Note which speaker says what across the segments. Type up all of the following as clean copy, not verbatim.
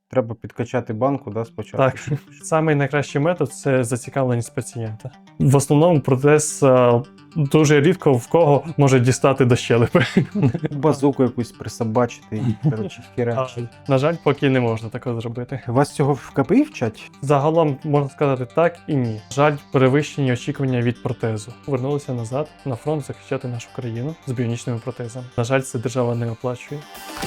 Speaker 1: Треба підкачати банку, да, спочатку.
Speaker 2: Так, самий найкращий метод це зацікавленість пацієнта. В основному протез дуже рідко в кого може дістати до щелепи.
Speaker 1: Базуку якусь присобачити і, коротше, херачить.
Speaker 2: На жаль, поки не можна такого зробити.
Speaker 1: Вас цього в КПІ вчать?
Speaker 2: Загалом можна сказати так і ні. Жаль, перевищені очікування від протезу. Вернулися назад на фронт захищати нашу країну з біонічними протезами. На жаль, це держава не оплачує.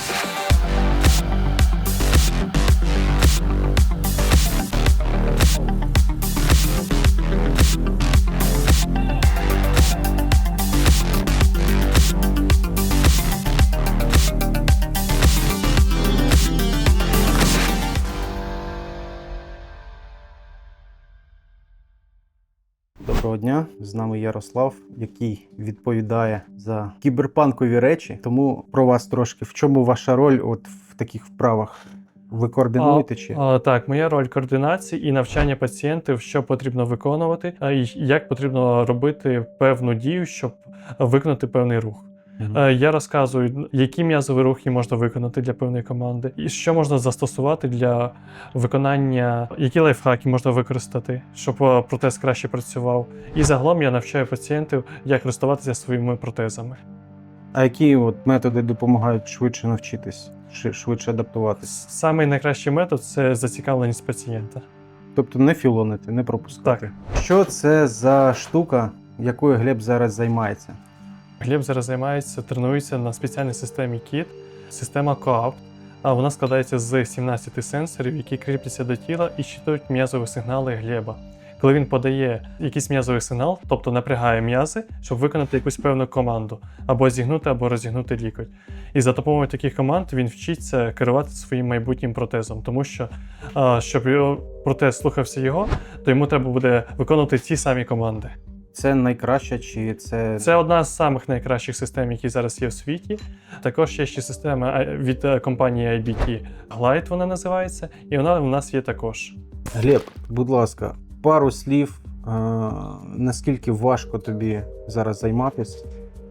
Speaker 1: Доброго дня, з нами Ярослав, який відповідає за кіберпанкові речі. Тому про вас трошки. В чому ваша роль от в таких вправах? Ви координуєте чи?
Speaker 2: Так, моя роль координації і навчання пацієнтів, що потрібно виконувати, і як потрібно робити певну дію, щоб виконати певний рух. Я розказую, які м'язові рухи можна виконати для певної команди, і що можна застосувати для виконання, які лайфхаки можна використати, щоб протез краще працював. І загалом я навчаю пацієнтів, як користуватися своїми протезами.
Speaker 1: А які от методи допомагають швидше навчитись, швидше адаптуватись?
Speaker 2: Самий найкращий метод – це зацікавленість пацієнта.
Speaker 1: Тобто не філонити, не пропускати.
Speaker 2: Так.
Speaker 1: Що це за штука, якою Глеб зараз займається?
Speaker 2: Глеб зараз займається, тренується на спеціальній системі KIT, система COAPT. Вона складається з 17 сенсорів, які кріпляться до тіла і щитують м'язові сигнали Глеба. Коли він подає якийсь м'язовий сигнал, тобто напрягає м'язи, щоб виконати якусь певну команду, або зігнути, або розігнути лікоть. І за допомогою таких команд він вчиться керувати своїм майбутнім протезом, тому що, щоб протез слухався його, то йому треба буде виконувати ті самі команди.
Speaker 1: Це найкраще чи це...
Speaker 2: Це одна з самих найкращих систем, які зараз є в світі. Також є ще система від компанії IBT Glide, вона називається, і вона у нас є також.
Speaker 1: Глеб, будь ласка, пару слів, наскільки важко тобі зараз займатися,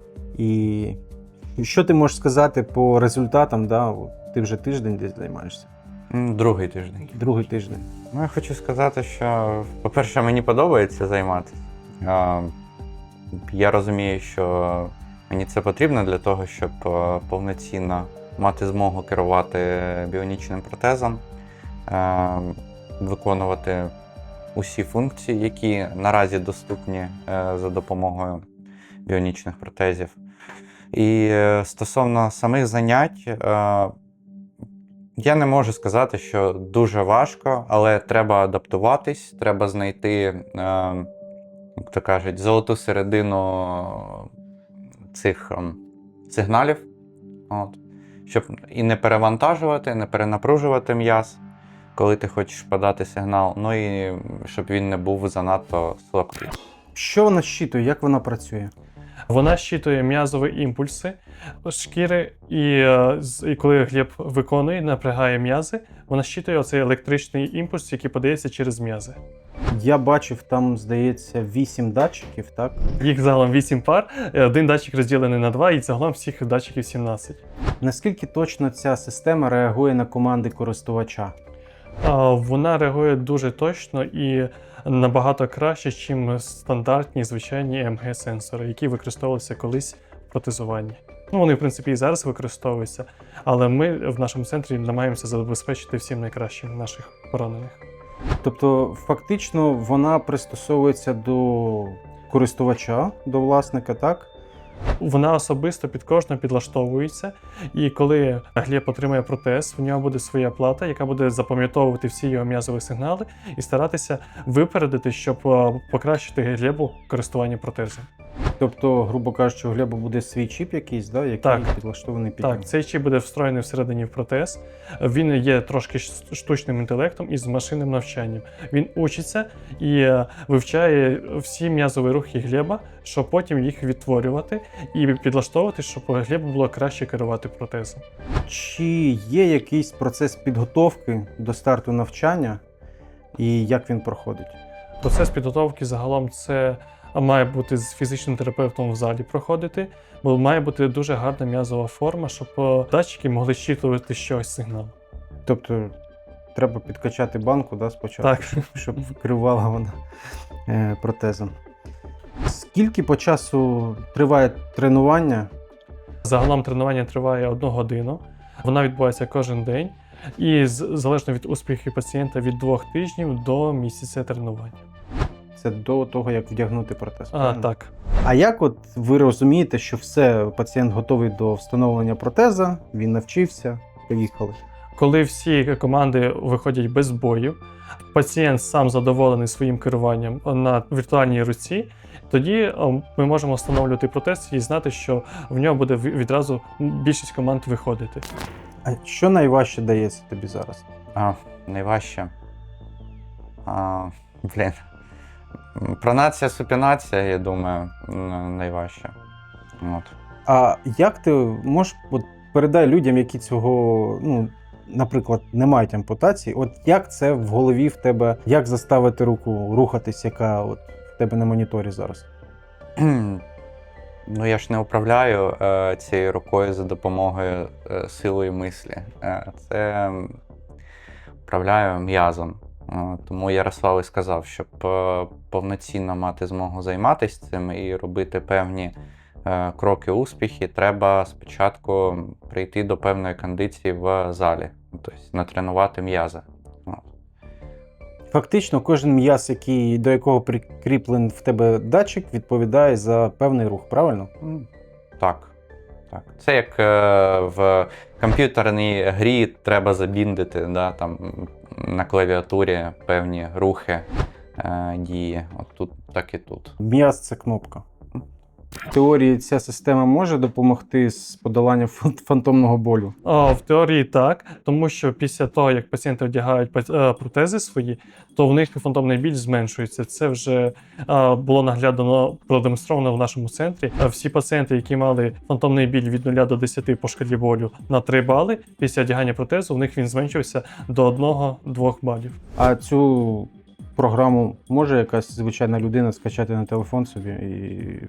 Speaker 1: і що ти можеш сказати по результатам, да? Ти вже тиждень десь займаєшся?
Speaker 3: Другий тиждень.
Speaker 1: Другий тиждень.
Speaker 3: Ну, я хочу сказати, що, по-перше, мені подобається займатися. Я розумію, що мені це потрібно для того, щоб повноцінно мати змогу керувати біонічним протезом, виконувати усі функції, які наразі доступні за допомогою біонічних протезів. І стосовно самих занять, я не можу сказати, що дуже важко, але треба адаптуватись, треба знайти, як то кажуть, золоту середину цих сигналів, щоб і не перевантажувати, не перенапружувати м'яз, коли ти хочеш подати сигнал, ну і щоб він не був занадто слабкий.
Speaker 1: Що вона щитує, як вона працює?
Speaker 2: Вона щитує м'язові імпульси шкіри, і коли Глеб виконує, напрягає м'язи, вона щитує оцей електричний імпульс, який подається через м'язи.
Speaker 1: Я бачив, там, здається, 8 датчиків, так?
Speaker 2: Їх загалом 8 пар, один датчик розділений на 2, і загалом всіх датчиків 17.
Speaker 1: Наскільки точно ця система реагує на команди користувача?
Speaker 2: Вона реагує дуже точно і набагато краще, ніж стандартні звичайні ЕМГ-сенсори, які використовувалися колись в протезуванні. Ну, вони, в принципі, і зараз використовуються, але ми в нашому центрі намагаємося забезпечити всім найкращим наших поранених.
Speaker 1: Тобто, фактично, вона пристосовується до користувача, до власника, так?
Speaker 2: Вона особисто під кожного підлаштовується, і коли Глеб отримає протез, в нього буде своя плата, яка буде запам'ятовувати всі його м'язові сигнали і старатися випередити, щоб покращити Глебу користування протезом.
Speaker 1: Тобто, грубо кажучи, у Глеба буде свій чіп якийсь, да, який
Speaker 2: Так.
Speaker 1: підлаштований під нього?
Speaker 2: Так, цей чіп буде встроєний всередині в протез. Він є трошки штучним інтелектом і з машинним навчанням. Він учиться і вивчає всі м'язові рухи Глеба, щоб потім їх відтворювати і підлаштовувати, щоб Глебу було краще керувати протезом.
Speaker 1: Чи є якийсь процес підготовки до старту навчання і як він проходить?
Speaker 2: Процес підготовки загалом це має бути з фізичним терапевтом в залі проходити, бо має бути дуже гарна м'язова форма, щоб датчики могли щитувати щось сигнал.
Speaker 1: Тобто треба підкачати банку, да, спочатку,
Speaker 2: Так.
Speaker 1: щоб керувала вона протезом. Скільки по часу триває тренування?
Speaker 2: Загалом тренування триває 1 годину. Вона відбувається кожен день. І залежно від успіхів пацієнта від 2 тижнів до місяця тренування.
Speaker 1: Це до того, як вдягнути протез. правильно?
Speaker 2: Так.
Speaker 1: А як от ви розумієте, що все, пацієнт готовий до встановлення протеза, він навчився, поїхали?
Speaker 2: Коли всі команди виходять без боїв, пацієнт сам задоволений своїм керуванням на віртуальній руці, тоді ми можемо встановлювати протез і знати, що в нього буде відразу більшість команд виходити.
Speaker 1: А що найважче дається тобі зараз?
Speaker 3: Найважче. Блін. Пронація, супінація, я думаю, найважче. От.
Speaker 1: А як ти можеш передай людям, які цього, наприклад, не мають ампутації, от як це в голові в тебе, як заставити руку рухатись, яка от в тебе на моніторі зараз?
Speaker 3: Ну, я ж не управляю цією рукою за допомогою силої мислі. Це управляю м'язом. Тому Ярослав і сказав, щоб повноцінно мати змогу займатися цим і робити певні кроки успіхи, треба спочатку прийти до певної кондиції в залі, тобто натренувати м'язи.
Speaker 1: Фактично, кожен м'яз, до якого прикріплений в тебе датчик, відповідає за певний рух, правильно?
Speaker 3: Так. Це як в комп'ютерній грі треба забіндити, да, там, на клавіатурі певні рухи, дії. От тут, так і тут.
Speaker 1: М'яз – це кнопка. В теорії ця система може допомогти з подоланням фантомного болю?
Speaker 2: В теорії так, тому що після того, як пацієнти одягають протези свої, то в них фантомний біль зменшується. Це вже було наглядно продемонстровано в нашому центрі. Всі пацієнти, які мали фантомний біль від 0 до 10 по шкалі болю на 3 бали, після одягання протезу в них він зменшився до 1-2 балів.
Speaker 1: А цю програму може якась звичайна людина скачати на телефон собі і...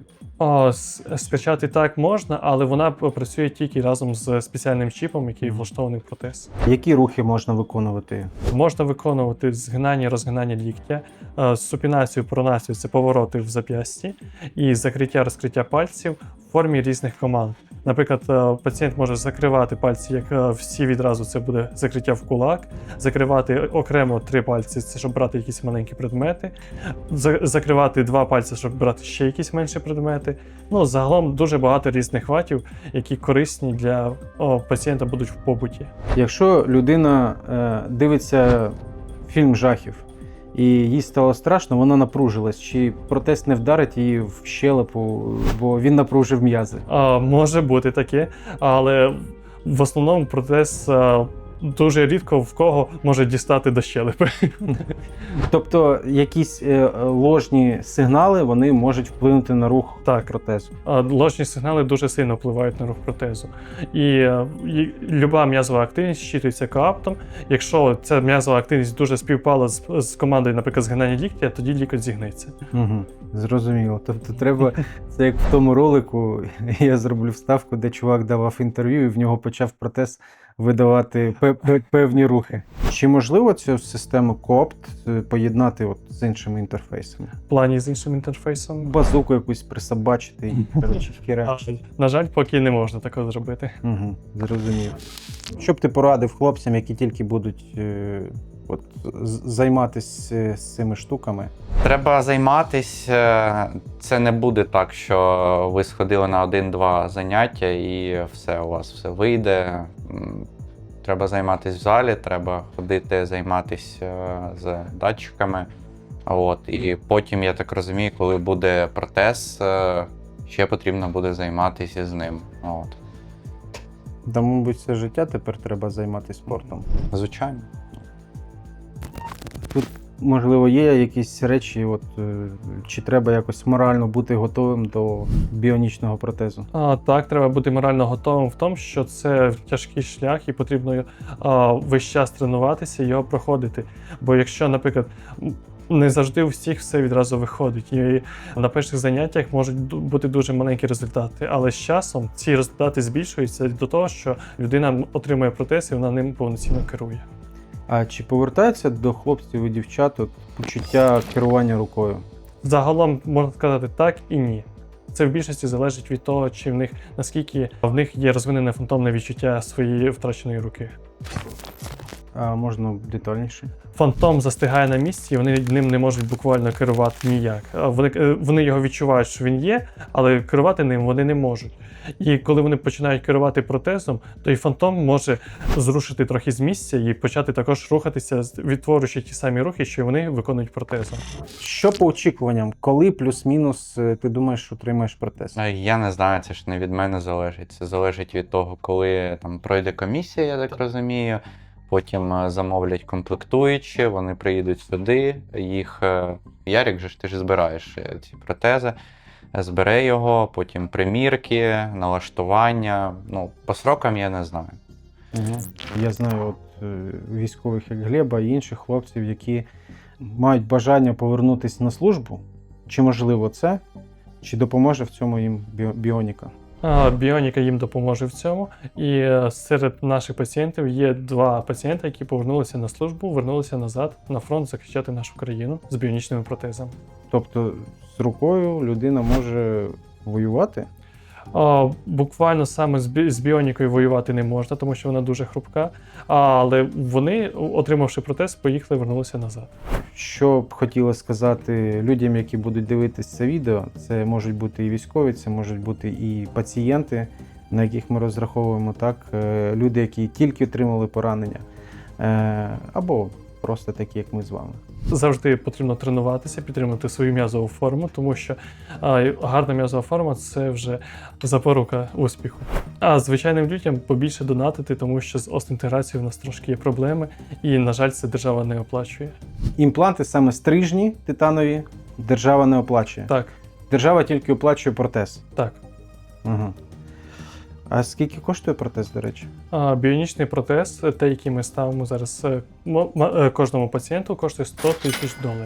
Speaker 2: Скачати так можна, але вона працює тільки разом з спеціальним чіпом, який влаштований в протез.
Speaker 1: Які рухи можна виконувати?
Speaker 2: Можна виконувати згинання, розгинання ліктя, супінацію, пронацію – це повороти в зап'ясті, і закриття-розкриття пальців в формі різних команд. Наприклад, пацієнт може закривати пальці, як всі відразу, це буде закриття в кулак, закривати окремо 3 пальці, це щоб брати якісь маленькі предмети, закривати 2 пальці, щоб брати ще якісь менші предмети. Загалом дуже багато різних ватів, які корисні для пацієнта будуть в побуті.
Speaker 1: Якщо людина дивиться фільм жахів і їй стало страшно, вона напружилась, чи протез не вдарить її в щелепу, бо він напружив м'язи?
Speaker 2: Може бути таке, але в основному протез дуже рідко в кого може дістати до щелепи.
Speaker 1: Тобто якісь ложні сигнали, вони можуть вплинути на рух протезу?
Speaker 2: Ложні сигнали дуже сильно впливають на рух протезу. І люба м'язова активність щитується коаптом. Якщо ця м'язова активність дуже співпала з командою, наприклад, згинання ліктя, тоді лікоть зігнеться.
Speaker 1: Угу, зрозуміло. Тобто треба, це як в тому ролику, я зроблю вставку, де чувак давав інтерв'ю і в нього почав протез видавати певні рухи. Чи можливо цю систему COAPT поєднати з іншими інтерфейсами?
Speaker 2: В плані з іншим інтерфейсом?
Speaker 1: Базуку якусь присобачити і, коротше, хіра.
Speaker 2: На жаль, поки не можна такого зробити.
Speaker 1: Угу, зрозумів. Що б ти порадив хлопцям, які тільки будуть займатися з цими штуками?
Speaker 3: Треба займатися. Це не буде так, що ви сходили на 1-2 заняття і все, у вас все вийде. Треба займатися в залі, треба ходити займатися з датчиками. І потім, я так розумію, коли буде протез, ще потрібно буде займатися з ним.
Speaker 1: Та, мабуть, все життя тепер треба займатися спортом.
Speaker 3: Звичайно.
Speaker 1: Тут, можливо, є якісь речі, чи треба якось морально бути готовим до біонічного протезу?
Speaker 2: Так, треба бути морально готовим в тому, що це тяжкий шлях і потрібно весь час тренуватися і його проходити. Бо якщо, наприклад, не завжди у всіх все відразу виходить. І на перших заняттях можуть бути дуже маленькі результати. Але з часом ці результати збільшуються до того, що людина отримує протез і вона ним повноцінно керує.
Speaker 1: А чи повертається до хлопців і дівчат от почуття керування рукою?
Speaker 2: Загалом можна сказати так і ні. Це в більшості залежить від того, чи в них наскільки в них є розвинене фантомне відчуття своєї втраченої руки.
Speaker 1: А можна детальніше?
Speaker 2: Фантом застигає на місці, і вони ним не можуть буквально керувати ніяк. Вони його відчувають, що він є, але керувати ним вони не можуть. І коли вони починають керувати протезом, то і фантом може зрушити трохи з місця і почати також рухатися, відтворюючи ті самі рухи, що й вони виконують протезом.
Speaker 1: Що по очікуванням? Коли плюс-мінус ти думаєш, отримаєш протез?
Speaker 3: Я не знаю, це ж не від мене залежить. Це залежить від того, коли там пройде комісія, я так розумію. Потім замовлять комплектуючі, вони приїдуть сюди, їх Ярик же ж ти ж збираєш ці протези, збере його, потім примірки, налаштування. Ну, по срокам я не знаю.
Speaker 1: Угу. Я знаю от військових, як Глеба і інших хлопців, які мають бажання повернутися на службу. Чи можливо це? Чи допоможе в цьому їм біоніка?
Speaker 2: Біоніка їм допоможе в цьому. І серед наших пацієнтів є 2 пацієнти, які повернулися на службу, вернулися назад на фронт захищати нашу країну з біонічними протезами.
Speaker 1: Тобто з рукою людина може воювати?
Speaker 2: Буквально саме з біонікою воювати не можна, тому що вона дуже хрупка. Але вони, отримавши протез, поїхали, вернулися назад.
Speaker 1: Що б хотіла сказати людям, які будуть дивитися це відео, це можуть бути і військові, це можуть бути і пацієнти, на яких ми розраховуємо, так, люди, які тільки отримали поранення, або просто такі, як ми з вами.
Speaker 2: Завжди потрібно тренуватися, підтримувати свою м'язову форму, тому що гарна м'язова форма – це вже запорука успіху. А звичайним людям побільше донатити, тому що з остеінтеграцією в нас трошки є проблеми, і, на жаль, це держава не оплачує.
Speaker 1: Імпланти, саме стрижні титанові, держава не оплачує.
Speaker 2: Так,
Speaker 1: Держава тільки оплачує протез.
Speaker 2: так.
Speaker 1: Угу. А скільки коштує протез, до речі?
Speaker 2: Біонічний протез, те, який ми ставимо зараз кожному пацієнту, коштує $100,000.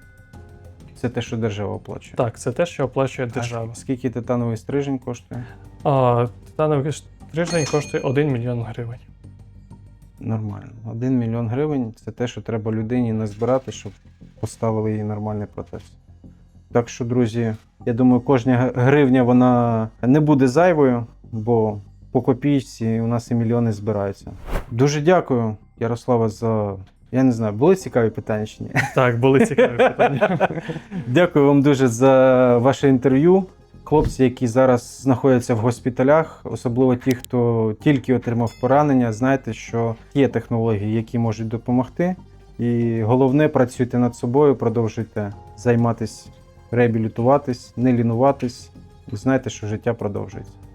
Speaker 1: Це те, що держава оплачує.
Speaker 2: Так, це те, що оплачує держава.
Speaker 1: А скільки титановий стрижень коштує?
Speaker 2: Титановий стрижень коштує 1 мільйон гривень.
Speaker 1: Нормально. 1 мільйон гривень – це те, що треба людині назбирати, щоб поставили їй нормальний протез. Так що, друзі, я думаю, кожна гривня вона не буде зайвою, бо по копійці у нас і мільйони збираються. Дуже дякую, Ярослава, за... Я не знаю, були цікаві питання чи ні?
Speaker 2: Так, були цікаві питання.
Speaker 1: Дякую вам дуже за ваше інтерв'ю. Хлопці, які зараз знаходяться в госпіталях, особливо ті, хто тільки отримав поранення, знайте, що є технології, які можуть допомогти. І головне, працюйте над собою, продовжуйте займатися, реабілітуватись, не лінуватись. І знайте, що життя продовжується.